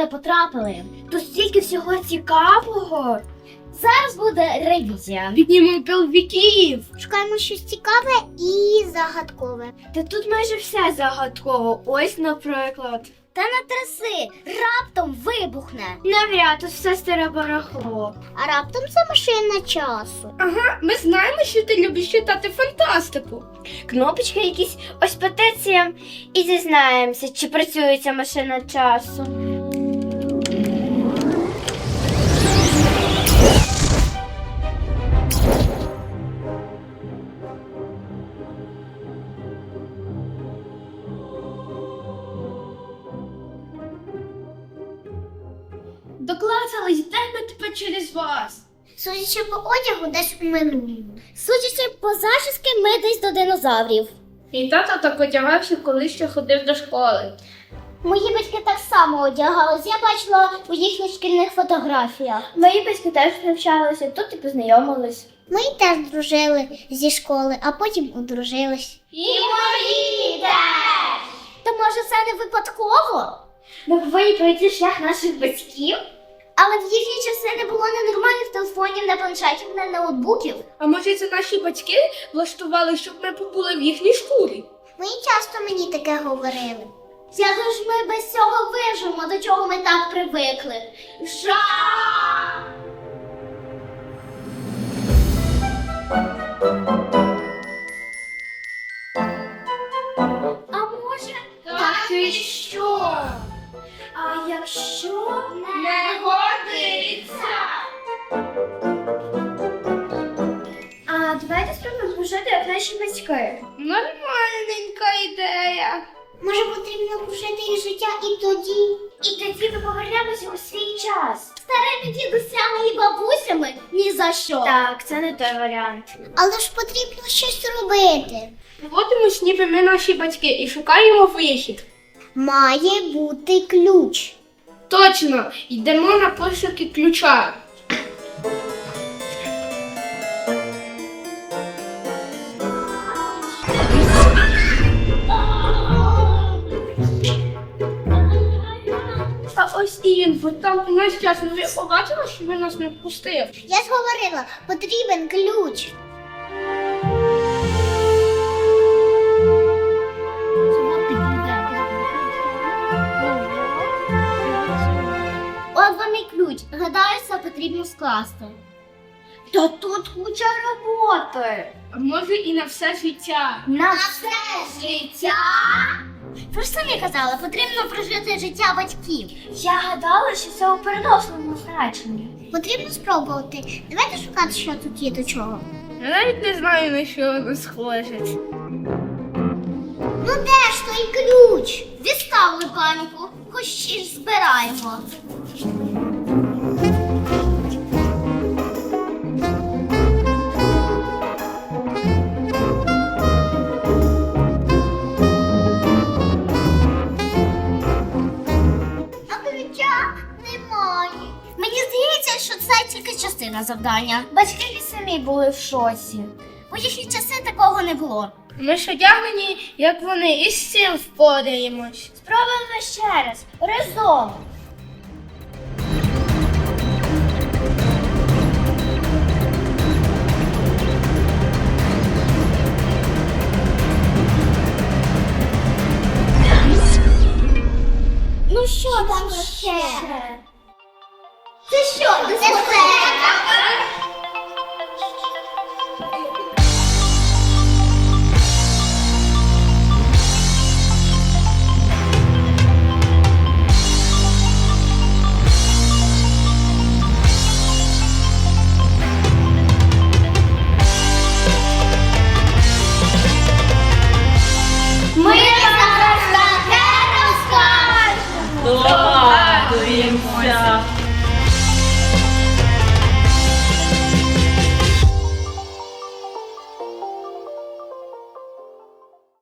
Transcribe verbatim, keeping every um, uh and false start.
ми потрапили. Тут стільки всього цікавого. Зараз буде ревізія. Піднімемо пиловиків. Шукаємо щось цікаве і загадкове. Та тут майже все загадково. Ось, наприклад. Та не траси, раптом вибухне. Навряд, тут все старе барахло. А раптом це машина часу. Ага, ми знаємо, що ти любиш читати фантастику. Кнопочки якісь, ось петиція. І дізнаємося, чи працює ця машина часу. Доклацались, йдемо тепер через вас. Судячи по одягу, десь у минулому. Судячи по зачіски, ми десь до динозаврів. І тато так одягався, коли ще ходив до школи. Мої батьки так само одягались, я бачила у їхніх шкільних фотографіях. Мої батьки теж навчалися, тут і познайомились. Ми теж дружили зі школи, а потім одружились. І мої теж! Та може це не випадково? Ми повинні пройти шлях наших батьків. Але в їхні часи не було ні нормальних телефонів, ні планшетів, ні ноутбуків. А може це наші батьки влаштували, щоб ми побули в їхній шкурі? Мої часто мені таке говорили. Як ж ми без цього вижимо, до чого ми так привикли? Жах! А може, Так і що? а якщо Не годиться! А давайте спробуємо служити, як наші батьки. Нормальненька ідея. Може, потрібно прожити їх життя і тоді? І тоді ми повернемося у свій час. Старими дідусями і бабусями ні за що. Так, це не той варіант. Але ж потрібно щось робити. Поводимось, ніби ми наші батьки, і шукаємо вихід. Має бути ключ. Точно, йдемо на пошуки ключа. А ось і він, бо там у нас час. Ви побачили, що він нас не впустив? Я ж говорила, потрібен ключ. От вам і ключ. Гадаю, це потрібно скласти. Та тут куча роботи. А може і на все життя. На все життя? Ви ж самі казали, потрібно прожити життя батьків. Я гадала, що це у переносному значенні. Потрібно спробувати. Давайте шукати, що тут є до чого. Я навіть не знаю, на що воно схоже. Ну де ж той ключ? Відставили паніку, хоч ще ж збираємо. А ключа немає. Мені здається, що це тільки частина завдання. Батьки і самі були в шоці. У їхні часи такого не було. Ми ж одягнені, як вони, і з цим впораємось. Спробуємо ще раз. Разом. Ну що там ще? Це що, дискотека?